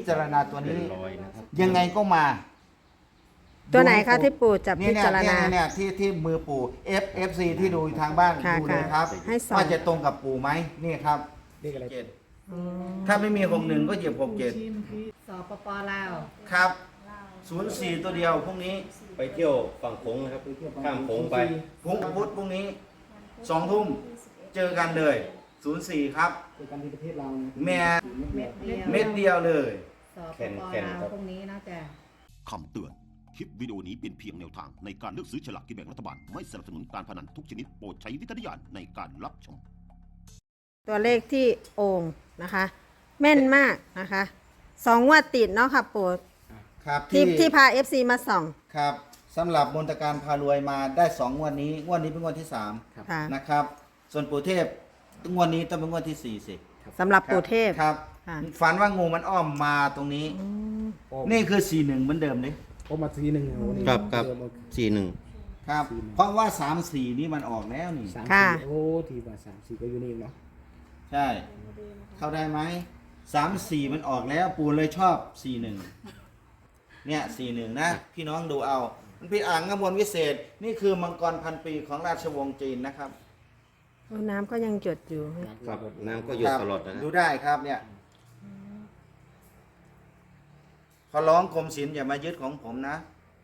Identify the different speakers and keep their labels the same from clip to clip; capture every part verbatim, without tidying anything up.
Speaker 1: จารณาตัวนี้ยังไงก็มา
Speaker 2: ตัวไหนคะที่ปู่จะ
Speaker 1: นี่
Speaker 2: พิ
Speaker 1: เนี่ย
Speaker 2: จารณา
Speaker 1: เนี่ยเนี่ยที่ที่มือปู่ F F C ที่ดูทางบ้าน
Speaker 2: ค่ะ
Speaker 1: ดูเลยครับ
Speaker 2: ให้ส่อง
Speaker 1: ว่าจะตรงกับปู่ไหมนี่ครับ
Speaker 3: เลขอะไร
Speaker 1: เจ็ดถ้าไม่มีหกหนึ่งก็เหยียบหกเจ็ด
Speaker 4: สปปลาว
Speaker 1: ครับศูนย์สี่ตัวเดียวพรุ่งนี้
Speaker 5: ไปเที่ยวฝั่งโขงนะครับข้ามโขงไป
Speaker 1: พรุ่งพุธพรุ่งนี้สองทุ่มเจอกันเลยศูนย์สี่ครับ
Speaker 3: เกิดการที่ประเทศเรา
Speaker 1: แม่
Speaker 4: เม็ดเดียว
Speaker 1: เม็ดเดียวเลย
Speaker 4: สปปลาวพรุ่งนี้นะจ๊ะ
Speaker 6: คำเตือน คลิปวิดีโอนี้เป็นเพียงแนวทางในการเลือกซื้อฉลากกินแบ่งรัฐบาล ไม่สนับสนุนการพนันทุกชนิดโปรดใช้วิจารณญาณในการรับชม
Speaker 2: ตัวเลขที่โอ่งนะคะ แม่นมากนะคะสองงวดติดเนาะค่ะปู่
Speaker 1: ครับ
Speaker 2: ที่ที่พา เอฟ ซี มาส่อง
Speaker 1: ครับสำหรับมนตการพารวยมาได้สองงวดนี้งวดนี้เป็นงวดที่สาม
Speaker 2: ค่ะ
Speaker 1: นะครับ ส่วนปู่เทพงวดนี้ต้องเป็นงวดที่สี่สิ
Speaker 2: สำหรับปู่เทพ
Speaker 1: ครับ
Speaker 2: ค่ะ
Speaker 1: ฝันว่างูมันอ้อมมาตรงนี้ นี่คือสี่หนึ่งเหมือนเดิมเลย
Speaker 3: โอ้มาทีหนึ่งโอ้นี่
Speaker 5: ครับครับ
Speaker 3: เดิมเอา
Speaker 5: สี่หนึ่ง
Speaker 1: ครับ เพราะว่าสามสี่นี่มันออกแล้วนี่
Speaker 3: สาม
Speaker 2: ค่ะ
Speaker 3: สี่โอ้ทีว่าสามสี่ก็อยู่นี่เนาะ
Speaker 1: ใช่ เข้าได้ไหมสามสี่มันออกแล้วปู่เลยชอบสี่หนึ่งเนี่ยสี่หนึ่งนะ พี่น้องดูเอามันพี่อ่างกมลวิเศษ นี่คือมังกรพันปีของราชวงศ์จีนนะครับ
Speaker 2: โอ้น้ำก็ยังหยดอยู่
Speaker 5: ครับน้ำก็หยด
Speaker 1: ครับ
Speaker 5: ตลอดนะ
Speaker 1: ดูได้ครับเนี่ยขอร้องกรมศิลป์อย่ามายึดของผมนะ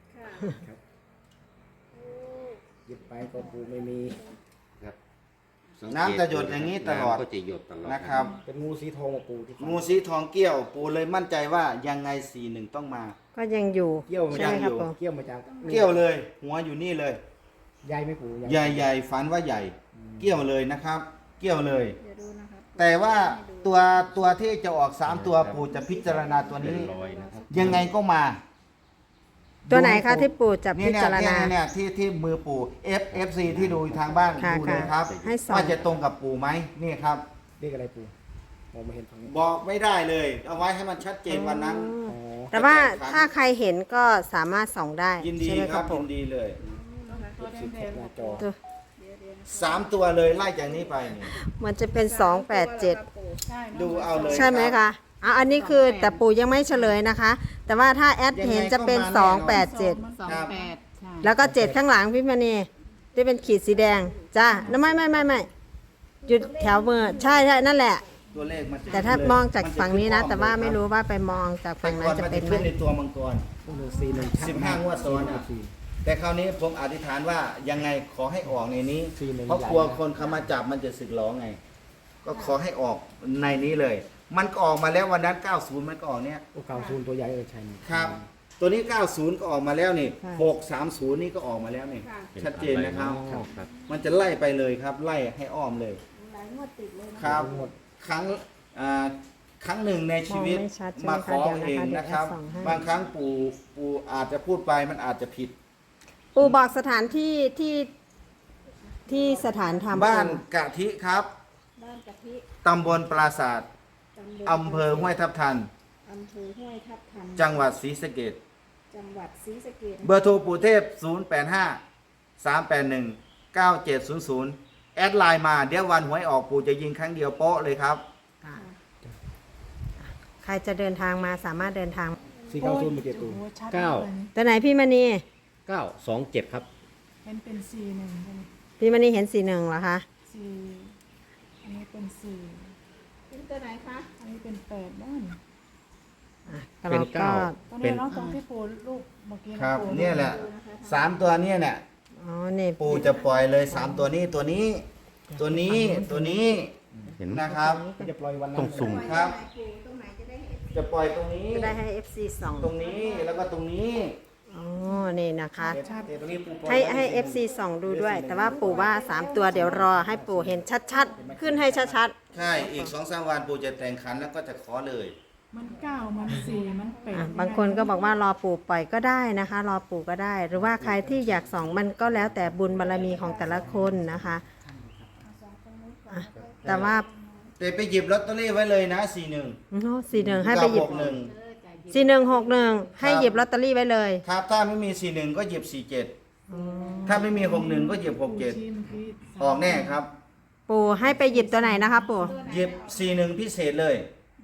Speaker 3: ยึดไปก็ปูไม่มี
Speaker 5: ครับสังเกต
Speaker 1: น้ำจะหยดอย่างนี้ตลอด
Speaker 5: น้ำก็จะหยดตลอด
Speaker 1: นะครับ
Speaker 3: เป็นงูสีทองมาปูที่ฝัน
Speaker 1: งูสีทองเกี้ยว ปูเลยมั่นใจว่ายังไงสี่หนึ่งต้องมา
Speaker 2: ก็ยังอยู่
Speaker 3: เกี่ยวมา
Speaker 2: ใช่
Speaker 3: จาก
Speaker 2: ไหมครับ
Speaker 1: อยู่
Speaker 2: ปู่
Speaker 3: เกี่ยวมาจาก
Speaker 1: เกี้ยวเลย หัวอยู่นี่เลย
Speaker 3: ใหญ่ไหมปู
Speaker 1: ใหญ่ๆฝันว่าใหญ่ เกี้ยวเลยนะครับ เกี้ยวเลย แต่ว่าตัวตัวที่จะออกสามตัวปู่จะพิจารณาตัว
Speaker 5: เป็น
Speaker 1: นี้
Speaker 5: รอยนะครับ
Speaker 1: ยังไงก็มา
Speaker 2: ตัวไหนคะที่ปู่จะ
Speaker 1: นี่
Speaker 2: พิ
Speaker 1: เนี่ย
Speaker 2: จาร
Speaker 1: เนี่ย
Speaker 2: ณา
Speaker 1: เนี่ยที่ที่มือปู่ F F C ที่ดูทางบ้าน
Speaker 2: ค่ะ
Speaker 1: ดูเลยครับ
Speaker 2: ให้ส่อง
Speaker 1: ว่าจะตรงกับปู่ไหมนี่ครับ
Speaker 3: เลขอะไรปูมองไม่เห็นฝั่งนี้
Speaker 1: บอกไม่ได้เลย เอาไว้ให้มันชัดเจนวันนั้น
Speaker 3: อ๋อ
Speaker 2: แต่ว่าถ้าใครเห็นก็สามารถส่องได้
Speaker 1: ยินดี
Speaker 2: ใช่ไหม
Speaker 1: ค
Speaker 2: ค
Speaker 1: รั
Speaker 2: รั
Speaker 1: บบ ยิ
Speaker 2: ปู่
Speaker 1: นดีเลย
Speaker 3: สิบแคปหน้าจอ
Speaker 2: ตัว
Speaker 1: สามตัวเลยไล่จากนี้ไปนี่
Speaker 2: มันจะเป็นสองแปดเจ็ด
Speaker 1: ดูเอาเลย
Speaker 2: ใช่ไหม
Speaker 1: รั
Speaker 2: คะ
Speaker 1: บ
Speaker 2: อ่ะอันนี้คือแต่ปู่ยังไม่เฉลยนะคะ แต่ว่าถ้าแอด
Speaker 1: ยังไง
Speaker 2: เห็นจะเป็น
Speaker 1: ก็มาแน่นอน
Speaker 2: สองแปดเจ็ด
Speaker 4: สองแปดใช่
Speaker 2: แล้วก็เจ็ดข้างหลังพี่มณีที่เป็นขีดสีแดงจ้าไม่ไม่ไม่ไม่หยุดแถวมือใช่ใช่นั่นแหละ
Speaker 1: ตัวเลขมันจะ
Speaker 2: แต่ถ้ามองจากฝั่งนี้นะ แต่ว่าไม่รู้ว่าไปมองจาก
Speaker 1: แต่
Speaker 2: ฝั่ง
Speaker 1: ก่
Speaker 2: นั้
Speaker 1: อน
Speaker 2: นจะ
Speaker 1: มัน
Speaker 2: เป็
Speaker 1: จะ
Speaker 2: นไหม
Speaker 1: ขึ้นในตัวมังกร
Speaker 3: ปูหนึ่งสี่หนึ่งชัด
Speaker 1: สิบห้างวดซ้อนอะ
Speaker 3: สี่
Speaker 1: แต่คราวนี้ผมอธิษฐานว่ายังไงขอให้ออกในนี้
Speaker 3: สี่หนึ่ง
Speaker 1: เพราะกลัวคนเขามาจับมันจะสึกหลอไง ก็ขอให้ออกในนี้เลย มันก็ออกมาแล้ววันนั้นเก้าสิบมันก็ออกเนี่ย
Speaker 3: โอ้เก่าศูนย์ตัวใหญ่เออใช่นี่
Speaker 1: ครับ ตัวนี้เก้าสิบก็ออกมาแล้วนี่
Speaker 2: ค่ะ
Speaker 1: หกสามสิบนี่ก็ออกมาแล้วนี่ ชัดเจนนะครับ
Speaker 5: ครับครับ
Speaker 1: มันจะไล่ไปเลยครับ ไล่ให้อ้อมเลยครับ ครั้งอ่าครั้งหนึ่งในชีวิต
Speaker 2: มองไม่ชัดใช่ไหม
Speaker 1: มา
Speaker 2: คะ
Speaker 1: ขอ
Speaker 2: เดี๋ยวนะคะ
Speaker 1: เองนะครับ
Speaker 2: เดี๋ยวแอดส่องให้
Speaker 1: บางครั้งปู่ปู่อาจจะพูดไปมันอาจจะผิด
Speaker 2: ปู่บอกสถานที่ที่ที่สถานธรรม
Speaker 1: บ้านกะทิครับ
Speaker 4: บ้านกะทิ
Speaker 1: ตำบลปราศาสตร์
Speaker 4: ตำบล
Speaker 1: อำเภอห้วยทับทัน
Speaker 4: อำเภอห้วยทับทัน
Speaker 1: จังหวัดศรีสะเกษ
Speaker 4: จังหวัดศรีสะเกษ
Speaker 1: เบอร์โทรปู่เทพ ศูนย์ แปด ห้า สาม แปด หนึ่ง เก้า เจ็ด ศูนย์ ศูนย์ แอดไลน์มาเดี๋ยววันหวยออกปู่จะยิงครั้งเดียวโป๊ะเลยครับ
Speaker 2: ค่ะใครจะเดินทางมาสามารถเดินทาง
Speaker 3: สี่เก้าศูนย์มาเจ็ดปู
Speaker 5: เก้า
Speaker 2: ตัวไหนพี่มณี
Speaker 5: เก้าสองเจ็ดครับ
Speaker 7: เห็นเป็นสี่หนึ่งใช่ไหม
Speaker 2: พี่มณีเห็นสีหนึ่งเหรอคะ
Speaker 7: สี่อันนี้เป็นสี่
Speaker 4: เป็นตัวไหนคะ
Speaker 7: อันนี้เป็นแปดด้าน
Speaker 2: อ่ะ
Speaker 5: เป็น
Speaker 2: เราก็
Speaker 5: เก้า
Speaker 7: ตอน
Speaker 5: เป็
Speaker 7: นี้
Speaker 5: น
Speaker 7: น้องตรงที่ปูรูปเมื่อกี้
Speaker 1: ครับ
Speaker 7: ปู
Speaker 1: เนี่ยแหละสามตัวเนี่ยเนี่ย
Speaker 2: อ๋อนี่
Speaker 1: ปู่จะปล่อยเลยสามตัวนี้ตัวนี้ ตัวนี้ตัวนี้
Speaker 5: เห็น
Speaker 1: นะครับ
Speaker 3: ก็จะปล่อยวันนั้น
Speaker 5: ต้องสุ่ม
Speaker 1: ครับ
Speaker 4: ตรงไหนจะได้เห็น
Speaker 1: จะปล่อยตรงนี้
Speaker 2: จะได้ให้ เอฟ ซี ส่อง
Speaker 1: ตรงนี้แล้วก็ตรงนี้
Speaker 2: อ๋อ นี่นะคะ
Speaker 1: แต่ตรงนี้ปู่ปล่อย
Speaker 2: ให้
Speaker 1: ไว้
Speaker 2: ให้ เอฟ ซี ส่องดูด้วย แต่ว่าปู่ว่าสามตัวเดี๋ยวรอให้ปู่เห็นชัดๆ ขึ้นให้ชัด
Speaker 1: ใช่อีกสองสามวันปู่จะแต่งขันแล้วก็จะขอเลย
Speaker 7: มันเก้ามันสี่มันแป
Speaker 2: ๆ
Speaker 7: ด
Speaker 2: อ่ะบางคนก็บอกว่ารอปู่ปล่อยก็ได้นะคะ รอปู่ก็ได้ หรือว่าใครที่อยากส่องมันก็แล้วแต่บุญบารมีของแต่ละคนนะคะอ่ะแต่ว่า
Speaker 1: แต่ไปหยิบลอตเตอรี่ไว้เลยนะสี่หนึ่ง
Speaker 2: สี่หนึ่งให้ไปหยิบ
Speaker 1: หนึ่ง
Speaker 2: สี่หนึ่งหกหนึ่งให้หยิบลอตเตอรี่ไว้เลย
Speaker 1: ครับถ้าไม่มีสี่หนึ่งก็หยิบสี่เจ็ดถ้าไม่มีหกหนึ่งก็หยิบหกเจ็ด
Speaker 7: ชี้เมื่อกี้
Speaker 1: ออกแน่ครับ
Speaker 2: ปู่ให้ไปหยิบตัวไหนนะคะปู่
Speaker 1: หยิบสี่หนึ่งพิเศษเลย
Speaker 4: ห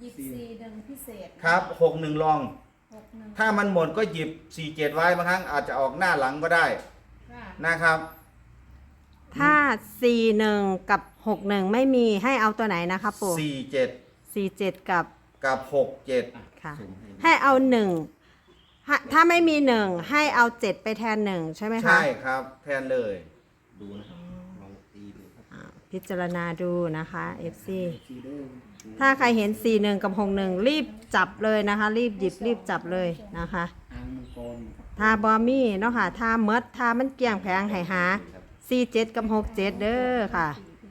Speaker 4: ยิบสี่หนึ่งพิเศษนะครับ
Speaker 1: หกหนึ่งลอง
Speaker 4: หกหนึ่ง
Speaker 1: ถ้ามันหมดก็หยิบสี่เจ็ดไว้บางครั้งอาจจะออกหน้าหลังก็ได้
Speaker 4: ค่ะ
Speaker 1: นะครับ
Speaker 2: ถ้าสี่หนึ่งกับหกหนึ่งไม่มีให้เอาตัวไหนนะคะปู่
Speaker 1: สี่เจ็ด
Speaker 2: สี่เจ็ดกับ
Speaker 1: กับหกเจ็ด
Speaker 2: ค่ะ ให้เอาหนึ่งถ้าไม่มีหนึ่งให้เอาเจ็ดไปแทนหนึ่งใช่ไหมคะ
Speaker 1: ใช่ครับ แทนเลย ดูนะลองตีดูครับ
Speaker 2: อ่าพิจารณาดูนะคะ เอฟ ซี ถ้าใครเห็น สี่หนึ่ง กับ หกหนึ่ง รีบจับเลยนะคะ รีบหยิบรีบจับเลยนะคะ
Speaker 3: อ่างมังกรครับ
Speaker 2: ถ้าบอมี่เนาะค่ะ ถ้าเมดถ้ามันเกลี่ยงแพงให้หา สี่เจ็ด กับ หกเจ็ด เด้อค่ะ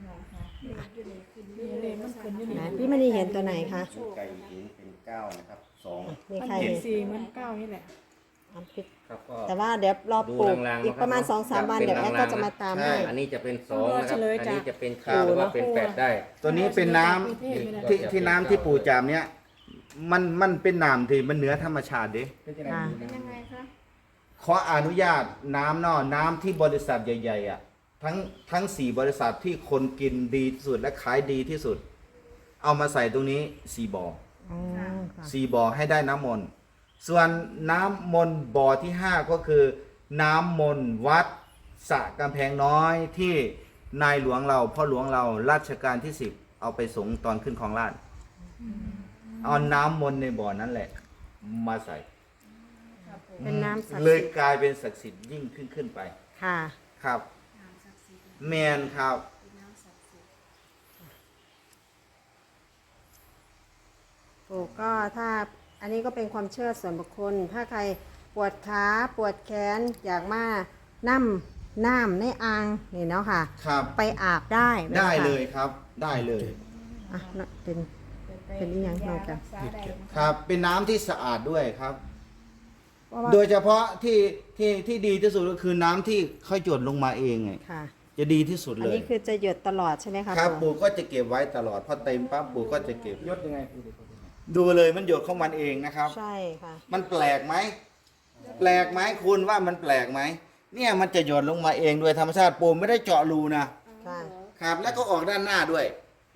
Speaker 7: เลขมันขึ้นอยู่
Speaker 2: ไหน
Speaker 7: นี่
Speaker 2: พี่มณีเห็นตัวไหนคะ
Speaker 5: ไก่เห็นเป็นเก้านะครับสอง
Speaker 2: มี
Speaker 7: มัน
Speaker 2: ใคร
Speaker 7: เป็น
Speaker 2: เห็น
Speaker 7: สี่มันเก้านี่แหละ
Speaker 2: อ่ะผิด
Speaker 5: ครับก็
Speaker 2: แต่ว่าเดี๋ยวรอปลูก
Speaker 5: ดูลางๆ
Speaker 2: อีกประมาณ
Speaker 5: นะครับ
Speaker 2: สองสาม วัน
Speaker 5: จะเป็น
Speaker 2: เดี๋ยวแอด
Speaker 5: ลางๆ
Speaker 2: ก็จะมาตาม
Speaker 1: ใช่
Speaker 2: ให้
Speaker 5: อันนี้จะเป็นสองนะครับ
Speaker 7: รอเฉลย
Speaker 5: อัน
Speaker 7: จาก
Speaker 5: นี้จะเป็นเก้าหรือว่าเป็นแปดได้
Speaker 1: ตัวนี้เป็นน้ำที่ที่น้ำที่ปู่จามเนี้ยมันมันเป็นน้ำที่มันเหนือธรรมชาติเด้
Speaker 3: เป็นจะได้
Speaker 2: ค่ะ
Speaker 3: ดู
Speaker 4: เป็น
Speaker 3: นะ
Speaker 4: ยังไงคะ
Speaker 1: ขออนุญาตน้ำเนอน้ำที่บริษัทใหญ่ๆอ่ะทั้งทั้งสี่บริษัทที่คนกินดีที่สุดและขายดีที่สุด เอามาใส่ตรงนี้สี่บ่อ
Speaker 2: อ๋อค่ะ
Speaker 1: สี่บ่อให้ได้น้ำมนต์ส่วนน้ำมนต์บ่อที่ห้าก็คือ น้ำมนต์วัดสระกำแพงน้อยที่นายหลวงเราพ่อหลวงเรารัชกาลที่สิบเอาไปสงตอนขึ้นครองราชย์เอาน้ำมนต์ในบ่อนั้นแหละ มาใส่
Speaker 2: เป็นน้ำศักดิ์
Speaker 1: เลย
Speaker 2: สิทธิ์
Speaker 1: กลายเป็นศักดิ์สิทธิ์ยิ่งขึ้นขึ้นไป
Speaker 2: ค่ะ
Speaker 1: ครับ แมนครับ
Speaker 2: ปู่ก็ถ้าอันนี้ก็เป็นความเชื่อส่วนบุคคล ถ้าใครปวดขาปวดแขนอยากมานั่มน้ำในอ่างนี่เนาะค่ะ
Speaker 1: ครับ
Speaker 2: ไปอาบได้หม
Speaker 1: ได้
Speaker 2: คะ
Speaker 1: เลยครับ ได้เลย
Speaker 2: อ่ะน่ะเป็น เป็นอีหยังนอกจาก
Speaker 4: รัษาได้นะ
Speaker 1: ครับ เป็นน้ำที่สะอาดด้วยครับ
Speaker 2: เพราะว่า
Speaker 1: โดยเฉพาะที่ที่ที่ดีที่สุดก็คือน้ำที่ค่อยหยดลงมาเองไง
Speaker 2: ค่ะ
Speaker 1: จะดีที่สุด
Speaker 2: อัน
Speaker 1: เลย
Speaker 2: นี้คือจะหยดตลอดใช่ไหมคะ
Speaker 1: ครับ
Speaker 2: ปู่
Speaker 1: ปู่ก็จะเก็บไว้ตลอดพอเต็มปั๊บปู่ก็จะเก็บ
Speaker 3: ยศยังไงดูดิ
Speaker 1: ดูเลยมันหยดของมันเองนะครับ
Speaker 2: ใช่ค่ะ
Speaker 1: มันแปลกไหมแปลกไหมคุณว่ามันแปลกไหมเนี่ยมันจะหยดลงมาเองโดยธรรมชาติปู่ไม่ได้เจาะรูนะ
Speaker 2: ค่ะ
Speaker 1: ครับ แล้วก็ออกด้านหน้าด้วย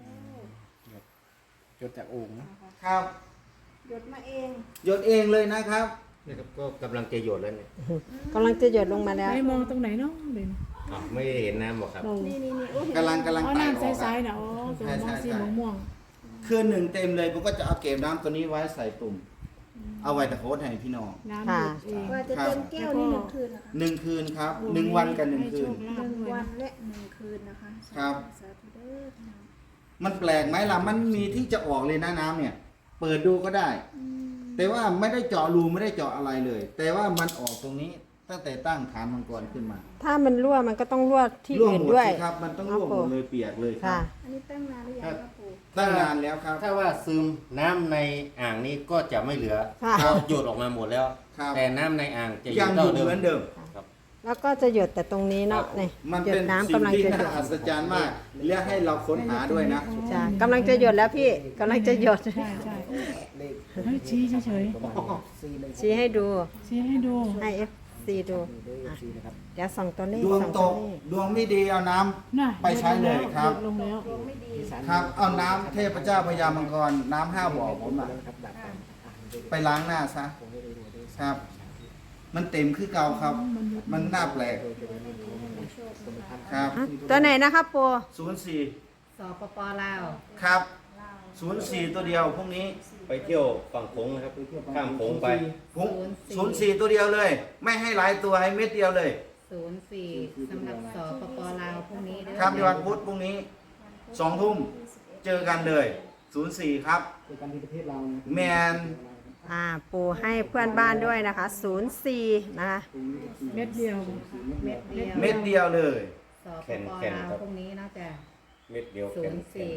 Speaker 3: ยศจากโอ่งนะครับ
Speaker 4: หยดมาเอง
Speaker 1: หยดเองเลยนะครับ
Speaker 5: นี่ครับก็กำลังจะหยดแล้วเนี่ย
Speaker 2: กำลังจะหยดลงมาแล้ว
Speaker 7: ไม่มองตรงไหนเนาะเด่น
Speaker 5: อ้าวไม่ได้เห็นน้ำหรอกครับ
Speaker 7: ลง
Speaker 4: นี่นี่นี่โอ้เห็น
Speaker 1: กำลังกำลัง
Speaker 7: อ๋อ
Speaker 1: ไต่อ
Speaker 7: น้ำ
Speaker 1: อก
Speaker 7: ใส
Speaker 1: ครับ
Speaker 7: ๆนะอ๋อตัว
Speaker 1: ใช่
Speaker 7: มอง
Speaker 1: ใช่
Speaker 7: สี
Speaker 1: ใช่
Speaker 7: ม่วง
Speaker 1: คืนหนึ่งเต็มเลยผมก็จะเอาเก็บน้ำตัวนี้ไว้ใส่ตุ่ม เอาไว้แต่โค้ดให้พี่น้อง
Speaker 7: ๆน้ำหยดเอง
Speaker 4: ว่าจะเต็มแก้วนี่หนึ่งคืนนะคะ
Speaker 1: หนึ่งคืนครับหนึ่งวันกับหนึ่งคืน
Speaker 7: ให้โชลา
Speaker 4: ห
Speaker 7: ภ
Speaker 4: นึ่ง
Speaker 7: ด้วย
Speaker 4: วัน
Speaker 7: นะ
Speaker 4: และหนึ่งคืนนะคะ
Speaker 1: ครับ
Speaker 4: สาธุเด้อพี่น้อง
Speaker 1: มันแปลกไหมล่ะมันมีที่จะออกเลยนะน้ำเนี่ย เปิดดูก็ได้
Speaker 4: อืม
Speaker 1: แต่ว่าไม่ได้เจาะรูไม่ได้เจาะอะไรเลย แต่ว่ามันออกตรงนี้ตั้งแต่ตั้งฐานมังกรขึ้นมา
Speaker 2: ถ้ามันรั่วมันก็ต้องรั่วที่
Speaker 1: ร่วง
Speaker 2: อื่น
Speaker 1: หมด
Speaker 2: ด้วย
Speaker 1: สิครับ มันต้องร่วงหมดเลยเปียกเลยครั
Speaker 2: ค่ะ
Speaker 1: บ
Speaker 4: อันนี้ตั้งนานหรือยังครับปู่
Speaker 1: ตั้งนานแล้วครับ
Speaker 5: ถ้าว่าซึมน้ำในอ่างนี้ก็จะไม่เหลือ
Speaker 2: ค่ะ
Speaker 5: เพราะหยดออกมาหมดแล้ว
Speaker 1: ครับ
Speaker 5: แต่น้ำในอ่างจะอ
Speaker 1: ยั
Speaker 5: ยู่
Speaker 1: งอ
Speaker 5: เท่า
Speaker 1: ยู่
Speaker 5: เดิม
Speaker 1: เหมือนเดิม
Speaker 5: ครับ
Speaker 2: แล้วก็จะหยดแต่ตรงนี้เนาะนี่
Speaker 1: มัน
Speaker 2: หย
Speaker 1: เป็
Speaker 2: ด
Speaker 1: น
Speaker 2: น้ำ
Speaker 1: สิ่ง
Speaker 2: กำลัง
Speaker 1: ที่
Speaker 2: จะหย
Speaker 1: น่า
Speaker 2: ด
Speaker 1: อัศจรรย์มากและให้เราค้นหาด้วยนะ
Speaker 2: จ้ะกำลังจะหยดแล้วพี่กำลังจะหยด
Speaker 7: ใช่ใช่
Speaker 3: เลข
Speaker 7: เฮ้ยชี้เฉย
Speaker 3: ประมาณสี่หนึ่ง
Speaker 2: ชี้ให้ดู
Speaker 7: ๆชี้ให้ดู
Speaker 2: ให้ เอฟ ซี ดู
Speaker 3: เลข
Speaker 2: อ่ะ
Speaker 3: สี่นะครับ
Speaker 2: เดี๋ยวส่องตัวเลข
Speaker 1: ดวง
Speaker 2: ส่อง
Speaker 1: ต
Speaker 2: ตัว
Speaker 1: ก
Speaker 2: เลข
Speaker 1: ดวงไม่ดีเอาน้ำ
Speaker 7: น่ะ
Speaker 1: ไปใช้เลยครับ
Speaker 7: หดลงแล้ว
Speaker 4: ดวงไม่ดี
Speaker 3: ที่สาม
Speaker 1: ครับ เอาน้ำเทพเจ้าพญามังกร น้ำห้าบ่อผมอะ
Speaker 3: ครับดับไปอ่ะเดี๋ยว
Speaker 1: ไปล้างหน้าซะ
Speaker 3: ผมให้ดูด้วยด้วย
Speaker 1: ครับ มันเต็มคือเก่าครับ มันน่าแปลก ครับ
Speaker 2: อ่ะตัวไหนนะครับปู
Speaker 1: ศูนย์สี่
Speaker 2: สปปลาว
Speaker 1: ครับศูนย์สี่ตัวเดียวพรุ่งนี้
Speaker 5: ไปเที่ยวฝั่งโขงนะครับข้ามโขงไป
Speaker 1: ผมศูนย์สี่ตัวเดียวเลย ไม่ให้หลายตัวให้เม็ดเดียวเลย
Speaker 8: ศูนย์สี่สำหรับสปปลาวพรุ่งนี้เด้อ
Speaker 1: ครับในวันพุธพรุ่งนี้สองทุ่มเจอกันเลยศูนย์สี่ครับ
Speaker 3: เจอกันที่ประเทศเรานะ
Speaker 1: แมน
Speaker 2: อ่าปูให้เพื่อนบ้านด้วยนะคะศูนย์สี่นะคะ
Speaker 7: เม็ดเดียว
Speaker 8: เม็ดเดียว
Speaker 1: เม็ดเดียวเลย
Speaker 8: สปปลาวพรุ่งนี้เนาะจ้ะ
Speaker 5: เม็ดเดียว
Speaker 8: ศู
Speaker 5: แข็
Speaker 8: น
Speaker 5: ง
Speaker 8: ย์สี่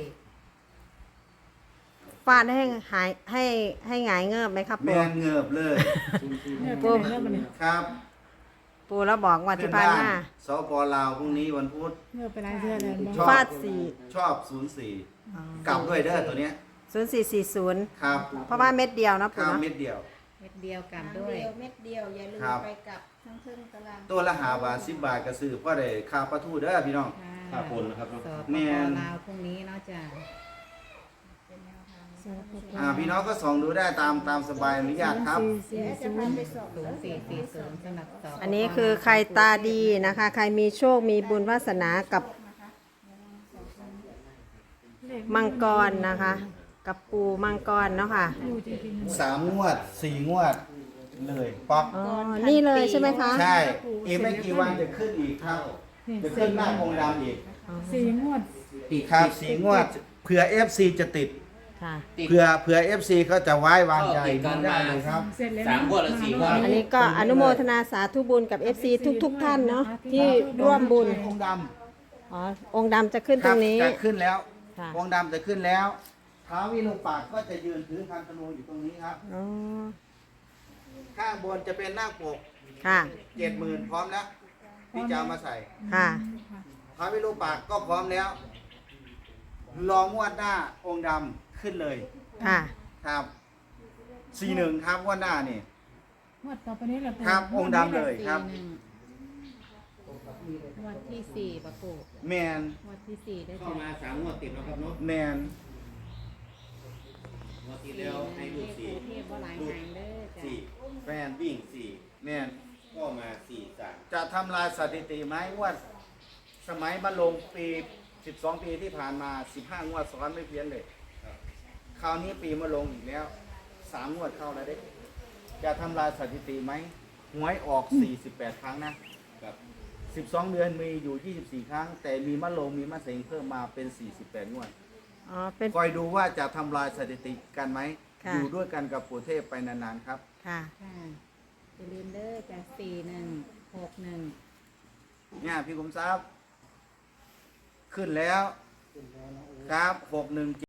Speaker 2: ฟาดให้หายให้ให้หงายเงิบไหมครับ
Speaker 1: แม
Speaker 2: ปู
Speaker 1: นเงือบเลย
Speaker 7: เนี่ยตัวไหนเริ่มมันเนี่ย
Speaker 1: ครับ
Speaker 2: ปูแล้วบอกว่า
Speaker 1: เพื่
Speaker 2: ที่
Speaker 1: อน
Speaker 2: ผ่าน
Speaker 1: บ้าน
Speaker 2: มา
Speaker 1: สปลาวพรุ่งนี้วันพุธ
Speaker 7: เริ่มไปหลายเทื่อแล้ว
Speaker 1: ชอบ
Speaker 2: ฟาดสี่
Speaker 1: ชอบศูนย์สี่กลับด้วยเด้อตัวเนี้ย
Speaker 2: ศูนย์สี่สี่ศูนย์
Speaker 1: ครับ
Speaker 2: เพราะว่าเม็ดเดียวนะปู
Speaker 1: ข้าว
Speaker 2: เนาะ
Speaker 1: เม็ดเดียว
Speaker 8: เม็ดเดียวกัน
Speaker 4: เดี
Speaker 8: ด้วย
Speaker 4: ยวเม็ดเดียวอย่าลืม
Speaker 1: ครับ
Speaker 4: ไปกลับทั้งเทิงตาราง
Speaker 1: ตัวละหาบาทสิบบาทกระซื้อเพราะได้ค่าปลาทูเด้อพี่น้อง
Speaker 8: ค่ะ
Speaker 5: ข้าพลนะครับเนาะ
Speaker 8: สป
Speaker 1: แม่
Speaker 8: ป
Speaker 1: น
Speaker 8: ลาวพรุ่งนี้เนาะจ้ะ
Speaker 4: เป็นแนวทาง
Speaker 1: สอ่าพี่น้องก็ส่องดูได้ตามตามสบายอนุญาตครับ
Speaker 4: เดี๋ยวจะพาไปสอบ
Speaker 8: ศูนย์สี่สี่ศูนย์สำหรับสปปลาว
Speaker 2: อันนี้คือใครตาดีนะคะ ใครมีโชคมีบุญวาสนากับมังกรนะคะ กับปูมังกรเนาะค่ะ
Speaker 7: อยู่จริง
Speaker 1: สามงวดสี่งวดเลยป๊อก
Speaker 2: อ๋อ นี่เลยใช่ไหมคะ
Speaker 1: ใช่อีกไม่กี่วันจะขึ้นอีกครับ จะขึ้นหน้าองค์ดำอีก
Speaker 7: ๆสี่งวด
Speaker 5: ติด
Speaker 1: ครับ
Speaker 5: ติด
Speaker 1: สี่งวดเผื่อ เอฟ ซี จะติด
Speaker 2: ค่ะ
Speaker 5: ติด
Speaker 1: เผื่อเผื่อ เอฟ ซี เขาจะไว้วางใจ
Speaker 5: ก็ติดกัน
Speaker 1: ได้
Speaker 5: มา
Speaker 1: เลยครับ
Speaker 7: เสร็จแล้ว
Speaker 5: สามงวดหรือสี่งวด
Speaker 2: อันนี้ก็อนุโมทนาสาธุบุญกับ เอฟ ซี ทุกๆท่านเนาะที่ร่วมบุญ
Speaker 1: องค์ด
Speaker 2: อ๋อ องค์ดำจะขึ้น
Speaker 1: ำ
Speaker 2: ตรงนี้
Speaker 1: จะขึ้นแล้ว
Speaker 2: ค่ะ
Speaker 1: องค์ดำจะขึ้นแล้วท้าววิรูปักษ์ก็จะยืนถือคันธนูอยู่ตรงนี้ครับ
Speaker 2: อ๋อ
Speaker 1: ข้างบนจะเป็นหน้าปก
Speaker 2: ค่ะ
Speaker 1: เจ็ดหมื่นพร้อมแล้วที่จะเอามาใส่
Speaker 2: ค่ะ
Speaker 1: ท้าววิรูปักษ์ก็พร้อมแล้วรองวดหน้าองค์ดำขึ้นเลย
Speaker 2: ค่ะ
Speaker 1: ครับสี่หนึ่งครับงวดหน้านี่
Speaker 7: งวดต่อไปนี้แหละปู่
Speaker 1: ครับองค์ดำเลยครับ
Speaker 8: สี่หนึ่งงวดที่สี่ปะปู่
Speaker 1: แมน
Speaker 8: งวดที่สี่ได้
Speaker 5: เข้ามาสามงวดติดแล้วครับเนาะ
Speaker 1: แมน
Speaker 5: งวดที่แล้วให้ลูกสี่
Speaker 8: เทพบ่หลายหางเด้อจ้ะ
Speaker 5: สี่
Speaker 1: แมน
Speaker 5: วิ่งสี่
Speaker 1: แมน
Speaker 5: ก็มาสี่สาม
Speaker 1: จะทำลายสถิติไหมงวดสมัยมาลงปีสิบสองปีที่ผ่านมาสิบห้างวดซ้อนไม่เพี้ยนเลย คราวนี้ปีมาลงอีกแล้วสามงวดเข้าแล้วเด้จะทำลายสถิติไหมหวยออกสี่สิบแปดครั้งนะ
Speaker 5: ครับ
Speaker 1: สิบสองเดือนมีอยู่ยี่สิบสี่ครั้ง แต่มีมะโรงมีมะเสงเพิ่มมาเป็นสี่สิบแปดงวด
Speaker 2: อ๋อ เป็น
Speaker 1: คอยดูว่าจะทำลายสถิติกันไหม
Speaker 2: ค่ะ
Speaker 1: อยู่ด้วยกันกับปู่เทพไปนานๆครับ
Speaker 2: ค่ะ
Speaker 8: ค่ะอย่าลืมเด้อจ้ะสี่หนึ่งหกหนึ่ง
Speaker 1: เนี่ยพี่คุมทรัพย์ขึ้นแล้วครับหกหนึ่ง